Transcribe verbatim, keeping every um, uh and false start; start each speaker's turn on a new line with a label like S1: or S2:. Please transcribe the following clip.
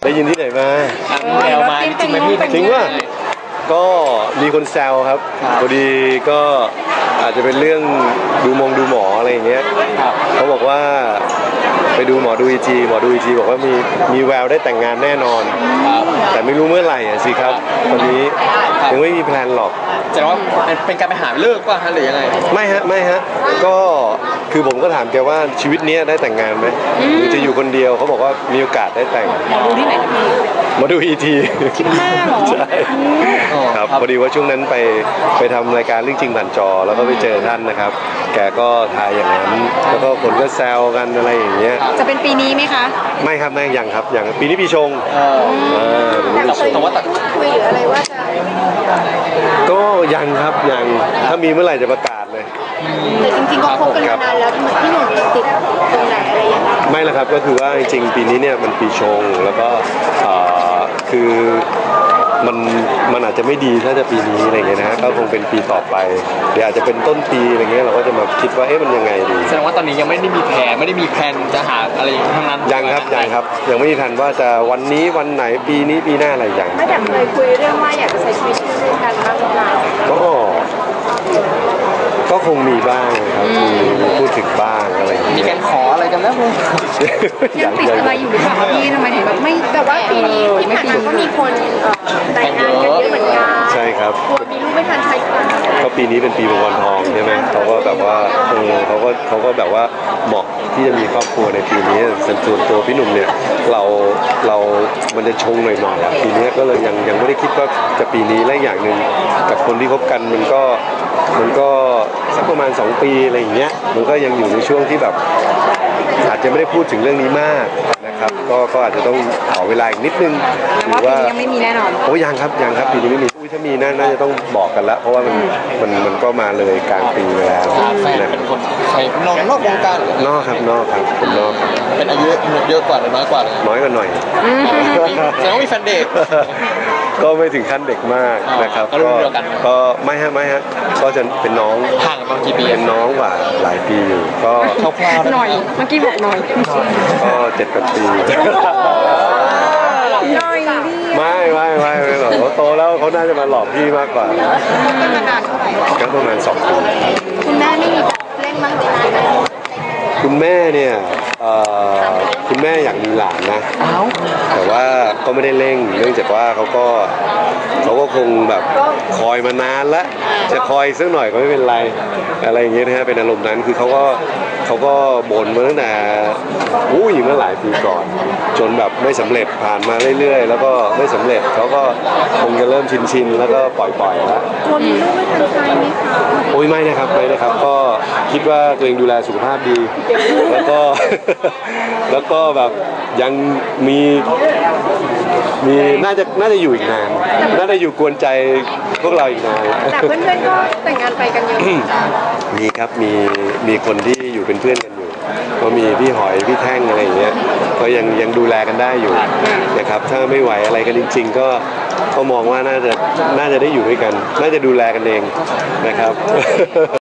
S1: ได้ยินที่ไหนมา
S2: แซวมาจริงไหมพี่
S1: จริงว่าก็มีคนแซวครับพอดีก็อาจจะเป็นเรื่องดูมงดูหมออะไรอย่างเงี้ยเขาบอกว่าไปดูหมอดูอีทีหมอดูอีทีบอกว่ามีมีแววได้แต่งงานแน่นอนแต่ไม่รู้เมื่อไหร่อ่ะสิครับตอนนี้ยังไม่มีแพลนหรอก
S2: แต่ว่าเป็นการไปหาเลิกป่ะฮะหรือยังไง
S1: ไม่ฮะไม่ฮะก็คือผมก็ถามแกว่าชีวิตนี้ได้แต่งงานไหมหรือจะอยู่คนเดียวเขาบอกว่ามีโอกาสได้แต่ง
S3: หมอดูที่ไหนนะพี่
S1: หมอดูอีที
S3: คิดหน้าหรอ
S1: ใช่ครับพอดีว่าช่วงนั้นไปไปทำรายการเรื่องจริงผ่านจอแล้วก็ไปเจอท่านนะครับแกก็ทายอย่างนั้นแล้วก็คนก็แซวกันอะไรอย่างเงี้ย
S3: จะเป็นปีนี้ไหมคะ
S1: ไม่ครับไม่ยังครับยังปีนี้ปีชง
S3: แต่เคยพูดคุยหรืออะไรว่าจะ
S1: ก็ยังครับยังถ้ามีเมื่อไหร่จะประกาศเลย
S3: แต่จริงๆก็คบกันมานานแล้วพี่หนุ่มติดตรงไหนอะไรยังไง
S1: ไม่ละครับก็คือว่าจริงๆปีนี้เนี่ยมันปีชงแล้วก็คือมันมันอาจจะไม่ดีถ้าจะปีนี้อะไรเงี้ยนะฮะก็คงเป็นปีต่อไปเดี๋ยวอาจจะเป็นต้นปีอะไรเงี้ยเราก็จะมาคิดว่าเอ๊ะมันยังไงดี
S2: แสดงว่าตอนนี้ยังไม่ได้มีแผนไม่ได้มีแผนจะหาอะไรทั้งนั้น
S1: ยังครับยังครับยังไม่มีทันว่าจะวันนี้วันไหนปีนี้ปีหน้าอะไรอย่าง
S3: ไม่แต่เคยคุยเรื่องว่าอยากจะใช้ชีวิตร่วมกันบ้างหรือเปล่า
S1: ก็ก็คงมีบ้างครับมีพูดถึงบ้างอะไร
S2: มีการขออะไรกันแล้วมั้ย
S3: ยังติดอะไรอยู่หรือเปล่าพี่ทำไมถึงแบบไม่แต่ว่าปีนี้ที่ผ่านมาก็มีคนแต่งงานกันเยอะเหมือนกัน
S1: ใช่ครับ
S3: มีลูกไม่ทันใช้
S1: ก็ปีนี้เป็นปีมังกรทองใช่ไหมเขาก็แบบว่าเออเขาก็เขาก็แบบว่าเหมาะที่จะมีครอบครัวในปีนี้ส่วนตัวพี่หนุ่มเนี่ยเราเรามันจะชงหน่อยๆปีนี้ก็เลยยังยังไม่ได้คิดว่าจะปีนี้และอย่างหนึ่งกับคนที่คบกันมันก็มันก็สักประมาณสองปีอะไรอย่างเงี้ยมันก็ยังอยู่ในช่วงที่แบบอาจจะไม่ได้พูดถึงเรื่องนี้มากนะครับก็ก็อาจจะต้องขอเวลาอีกนิดนึง
S3: หรือว่าปีนี้ยังไม่มีแน่นอน
S1: โอ้ยังครับยังครับปีนี้ไม่มีอุ้ยถ้ามีน่าน่าจะต้องบอกกันแล้วเพราะว่ามันมันมันก็มาเลยกลางปีแล้ว
S2: นะเป็นคนใครนอกนอกวงการ
S1: นอกครับนอกครับเป็นนอก
S2: เป็นอายุเยอะกว่าหรือน้อยกว่า
S1: น้อยกว่าหน่อย
S2: แต่ต้องมีแฟนเด็ก
S1: ก็ไม่ถึงขั้นเด็กมากนะครับก็ก็ไม่ฮะไม่ฮะก็จะเป็นน้อง
S2: ห่างกันกี่ปี
S1: เป็นน้องกว่าหลายปีอยู่ก็
S2: คร่าว
S3: ๆหน่อยเมื่อกี้บอกหน่อย
S1: ก็เจ็ดแปดปี
S3: น้อยพี่
S1: ไม่ไม่ไม่ไม่หรอกเขาโตแล้วเขาน่าจะมาหลอกพี่มากกว่า
S3: เป็นมานานเท่าไหร่
S1: ก็ประมาณสองปี
S3: คุณแม่ไม่มีเล่นบ้างไหม
S1: คุณแม่เนี่ยคุณแม่อยากมีหลานนะแต่ว่าก็ไม่ได้เร่งเนื่องจากว่าเขาก็เขาก็คงแบบคอยมานานแล้วจะคอยสักหน่อยก็ไม่เป็นไรอะไรอย่างเงี้ยนะฮะเป็นอารมณ์นั้นคือเขาก็เขาก็บ่นมาตั้งแต่อู้ยเมื่อหลายปีก่อนจนแบบไม่สำเร็จผ่านมาเรื่อยๆแล้วก็ไม่สำเร็จเขาก็คงจะเริ่มชินๆแล้วก็ปล่อยๆแล้ว
S3: คนมีลูกไม่ทันใจไหมคะ
S1: โอ้ยไม่นะครับไม่นะครับก็คิดว่าตัวเองดูแลสุขภาพดีแล้วก็แล้วก็แบบยังมีมีน่าจะน่าจะอยู่อีกนานน่าจะอยู่กวนใจพวกเราอีกนาน
S3: แต่เพื่อนๆก็แต่งงานไปกันเยอะ
S1: มีครับมีมีคนที่อยู่เป็นเพื่อนกันอยู่ก็มีพี่หอยพี่แท่งอะไรอย่างเงี้ยก็ยังยังดูแลกันได้อยู่นะครับถ้าไม่ไหวอะไรกันจริงๆก็ก็มองว่าน่าจะน่าจะได้อยู่ด้วยกันน่าจะดูแลกันเองนะครับ